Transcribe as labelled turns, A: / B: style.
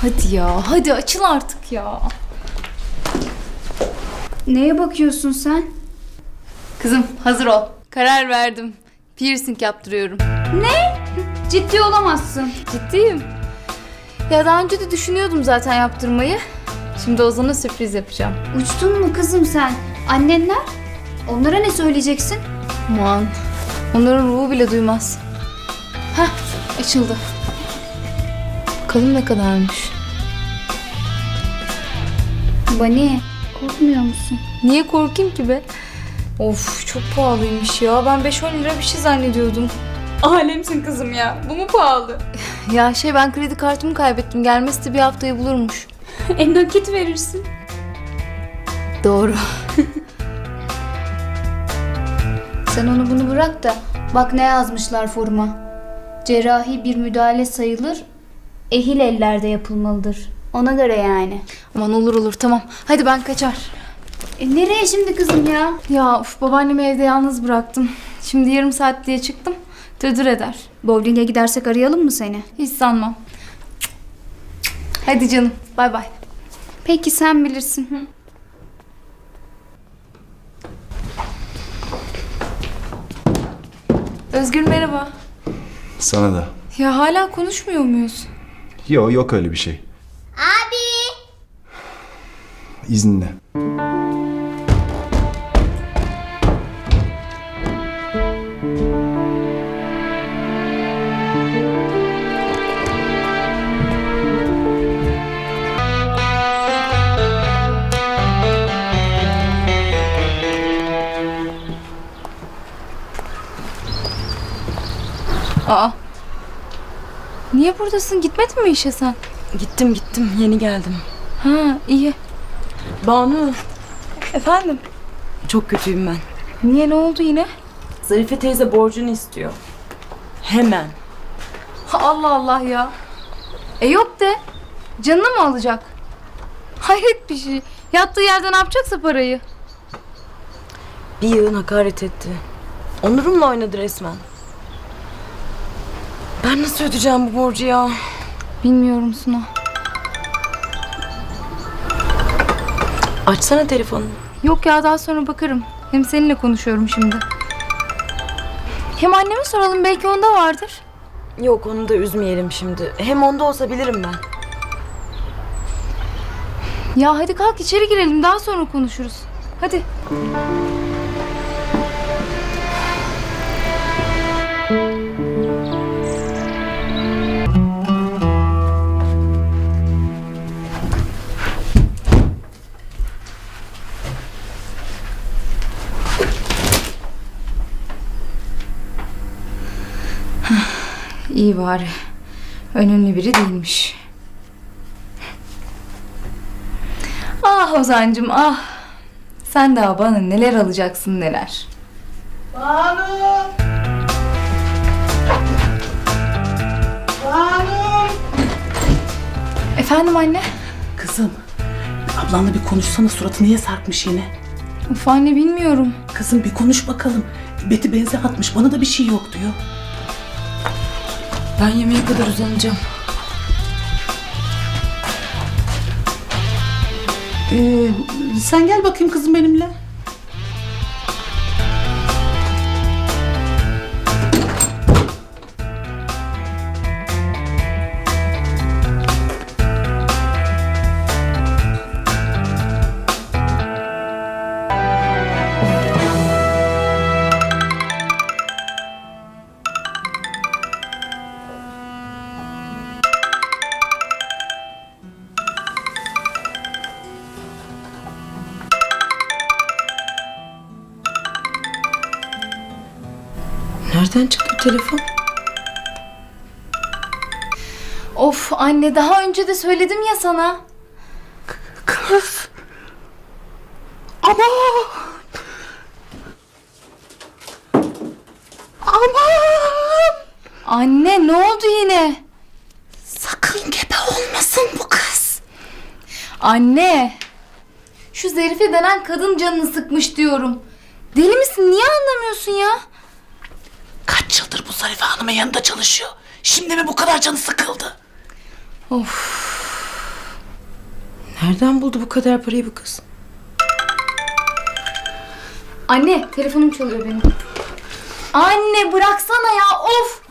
A: Hadi ya, hadi açıl artık ya.
B: Neye bakıyorsun sen?
A: Kızım hazır ol. Karar verdim. Piercing yaptırıyorum.
B: Ne? Ciddi olamazsın.
A: Ciddiyim. Ya daha önce de düşünüyordum zaten yaptırmayı. Şimdi Ozan'a sürpriz yapacağım.
B: Uçtun mu kızım sen? Annenler? Onlara ne söyleyeceksin?
A: Aman. Onların ruhu bile duymaz. Hah, açıldı. Bakalım ne kadarmış.
B: Bani, korkmuyor musun?
A: Niye korkayım ki be? Of çok pahalıymış ya. Ben 5-10 lira bir şey zannediyordum. Alemsin kızım ya. Bu mu pahalı? Ya ben kredi kartımı kaybettim. Gelmesi de bir haftayı bulurmuş.
B: Nakit verirsin.
A: Doğru.
B: Sen onu bunu bırak da bak ne yazmışlar foruma. Cerrahi bir müdahale sayılır, ehil ellerde yapılmalıdır. Ona göre yani.
A: Aman olur tamam. Hadi ben kaçar.
B: Nereye şimdi kızım ya?
A: Ya babaannemi evde yalnız bıraktım. Şimdi yarım saat diye çıktım. Dırdır eder.
B: Bowling'e gidersek arayalım mı seni?
A: Hiç sanmam. Hadi canım. Bay bay.
B: Peki sen bilirsin.
A: Özgür merhaba.
C: Sana da.
A: Ya hala konuşmuyor muyuz?
C: Yok öyle bir şey.
D: Abi.
C: İzninle.
A: Aa. Niye buradasın? Gitmedin mi işe sen?
E: Gittim yeni geldim.
A: Ha iyi.
E: Banu,
A: Efendim?
E: çok kötüyüm ben.
A: Niye, ne oldu yine?
E: Zarife teyze borcunu istiyor. Hemen.
A: Allah Allah ya. Yok de. Canını mı alacak? Hayret bir şey. Yattığı yerde ne yapacaksa parayı.
E: Bir yığın hakaret etti. Onurumla oynadı resmen. Ben nasıl ödeyeceğim bu borcu ya?
A: Bilmiyorum Suna.
E: Açsana telefonunu.
A: Yok ya, daha sonra bakarım. Hem seninle konuşuyorum şimdi. Hem anneme soralım, belki onda vardır.
E: Yok, onu da üzmeyelim şimdi. Hem onda olsa bilirim ben.
A: Ya hadi kalk içeri girelim, daha sonra konuşuruz. Hadi. İyi bari. Önemli biri değilmiş. Ah Ozan'cığım ah. Sen daha bana neler alacaksın neler.
F: Banu! Banu!
A: Efendim anne?
F: Kızım, ablanla bir konuşsana, suratı niye sarkmış yine?
A: Of anne bilmiyorum.
F: Kızım bir konuş bakalım. Beti benze atmış, bana da bir şey yok diyor.
E: Ben yemeğe kadar uzanacağım.
F: Sen gel bakayım kızım benimle.
E: Nereden çıktı bu telefon?
A: Of anne, daha önce de söyledim ya sana.
F: Kız! Aman! Aman!
A: Anne ne oldu yine?
F: Sakın gebe olmasın bu kız.
A: Anne. Şu Zerife denen kadın canını sıkmış diyorum. Deli misin? Niye anlamıyorsun ya?
F: Kaç yıldır bu Zarife Hanım'ın yanında çalışıyor. Şimdi mi bu kadar canı sıkıldı?
A: Of.
E: Nereden buldu bu kadar parayı bu kız?
B: Anne telefonum çalıyor benim. Anne bıraksana ya of.